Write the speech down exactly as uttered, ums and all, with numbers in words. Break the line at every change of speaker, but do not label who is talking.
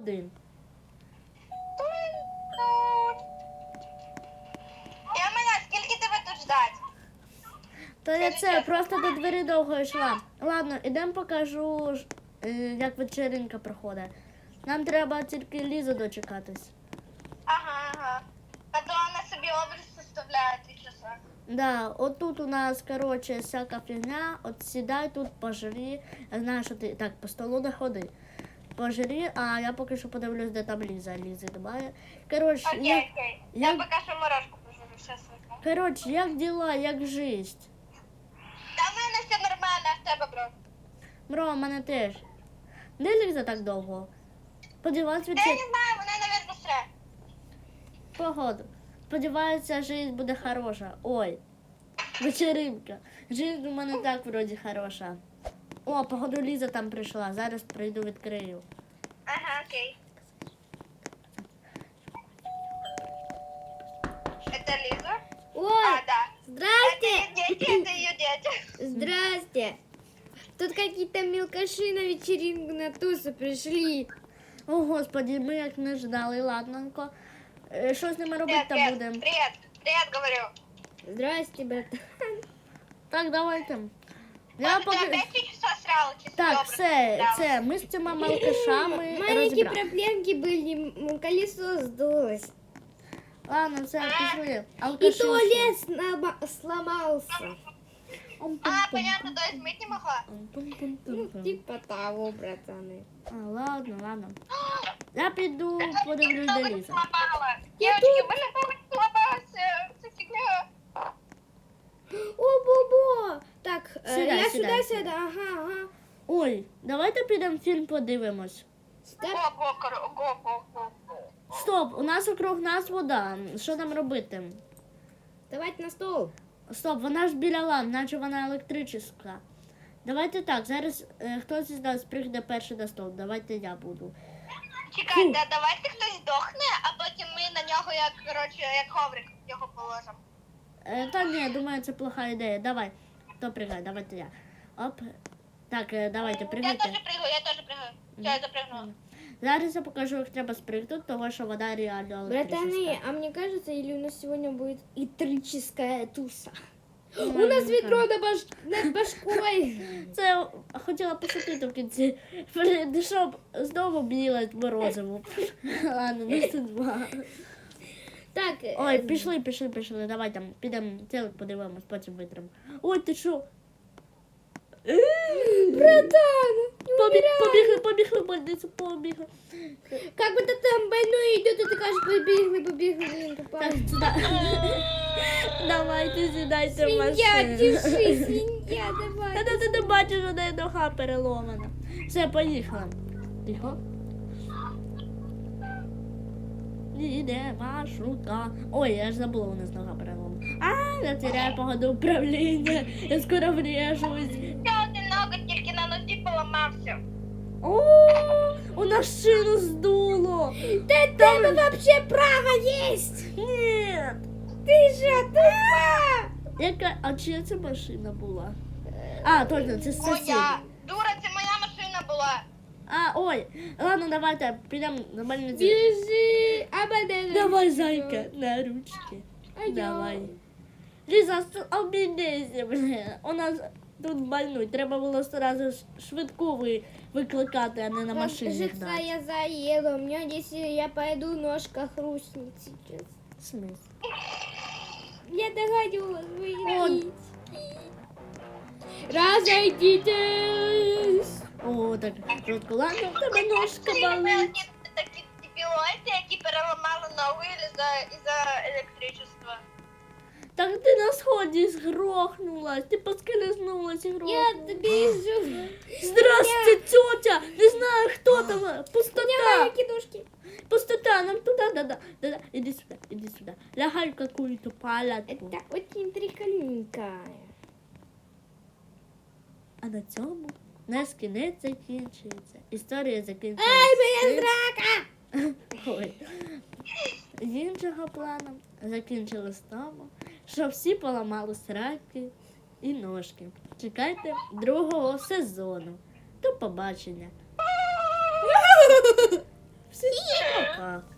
годин.
Я мене, скільки тебе тут ждать?
То я це, просто до двері довго йшла. Ладно, ідемо покажу, ж, е, як вечеринка проходить. Нам треба тільки Лізу дочекатись.
Ага, ага. А то вона собі образ составляє ті часи.
Да, отут у нас, короче, всяка фігня. От сідай тут, пожри. Я знаю, що ти так по столу не ходи. Пожри, а я поки що подивлюсь, де там Ліза. Лізи немає. Коротше,
Окей,
як,
окей. Я
як,
поки що морожку пожарю, все світло.
коротше, як діла, як жизнь?
Та в мене все нормально, а в тебе, бро?
Бро, в мене теж. Де Ліза так довго? Сподіваюсь,
Та я
вечер...
не знаю, вона, навірно, сре.
Погоду. Сподіваюся, жизнь буде хороша. Ой, вечеринка. Жизнь у мене так вроді хороша. О, походу Ліза там прийшла. Зараз прийду відкрию.
Ага, окей. Это Лиза?
О,
А, да. Это
здрасте!
ее дети, это ее дети.
Здрасте! Тут какие-то мелкаши на вечеринку на тусу пришли.
О, господі, ми як не ждали, ладненько. Е, Що з ними робити
Привет,
та
привет,
будемо?
привет, привет, говорю.
Здрасте, братан.
Так, давайте. Я
Может, ты
поки...
опять три часа срал? Часы
Так,
добрые
все,
срал?
це, ми з цими малкашами
Маленькие
розібрали.
проблемки были, м, колесо сдулось.
Ладно, все, пішли.
И
Алкаши.
туалет слома- сломался.
А, понятно, то есть мыть не могла?
Ну, типа того, братаны.
А, ладно, ладно. Я піду подивлюсь до
Ноготь
Ліза.
сломала. Девочки, у меня ноготь сломался. Это фигня.
О, бобо! Так, э,
Сюда,
я
сюда,
сюда,
сюда.
сюда, ага, ага.
Ой, давайте підемо фільм подивимось.
Стоп.
Го, го, коро- го, го, го, го.
Стоп, у нас округ нас вода. Що нам робити?
Давайте на стол.
Стоп, вона ж біля ламп, наче вона електрична. Давайте так, зараз е, хтось із нас прийде перший на стол. Давайте я буду.
Чекай, да, давайте хтось здохне, а потім ми на нього, як, коротше, як коврик його положимо.
Е, та ні, думаю, це плоха ідея. Давай. Хто пригає? Давайте я. Оп. Так, е, давайте,
Я
пригайте.
теж пригаю, я теж пригаю. Все, я запригнула.
Зараз я покажу, як треба спригнути, тому що вода реально електрична.
Братаны, а мне кажется, или у нас сегодня будет электрическая туса?
Ну,
У нас
не
ведро над, баш... над башкой.
Це хотіла пошутити в кінці. Блін, щоб знову білить морозиво. Ладно, ми тут два.
Так, э,
Ой, пішли, пішли, пішли. Давай там підемо телек подивимось, потім витримо. Ой, ти що?
братан, не
Побіг,
умирай.
побігли, побігли, в больницю, побігли.
Как бы ты там больной идет, и ты кажешь, побегли, побегли, блин, тупая.
Так, сюди. Давайте сідайте в
Свинья,
машину.
держи, свинья, давай.
Та ти не бачиш, що неї нога переломана. Все, поїхали. Тихо. Іде маршрутка. Ой, я ж забула, у нас нога переломана. А, я теряю погоду управління. Я скоро врежусь.
Ще один ноготь тільки на нозі поламався.
О, у нас шину здуло.
Да там вообще право есть.
Ні.
Ты же тупа.
Яка, а чия це машина була? А, точно, це сусід.
Моя. Дура, це моя машина була.
А, ой, ладно, давайте підемо на больницю.
Бежи, ободена.
Давай, зайка, на ручки.
А я?
Давай. Ліза, обійдися, блін. У нас тут больной. Треба було одразу ж швидку ви, викликати, а не на машині
Кажется,
гнати.
я заела. У меня здесь, э, я пойду, ножка хрустнет сейчас.
В смислі?
Я догадилась
Вот.
выиграть. Разойдитесь.
О, так, швидко. Ладно, в тебе ножка
Ці
болить.
певні такі дебілоїди, які переламали ногу із-за із-за електричества.
Так ти на сході згрохнулась, ти поскользнулась і
Я
грохнулась.
бежу.
Здрасте, тетя! Не знаю, хто там.
Мои
Пустота.
кидушки.
Пустота, нам туда, да-да. Да-да. Иди сюда, иди сюда. Лягай в какую-то палатку.
Это очень прикольненько.
А на цьому наш кінець закінчується. Історія закінчується.
Ай, моя
цим.
драка!
Ой. З іншого плану закінчили з тому, що всі поламали сраки і ножки. Чекайте другого сезону. До побачення. Всі Пока.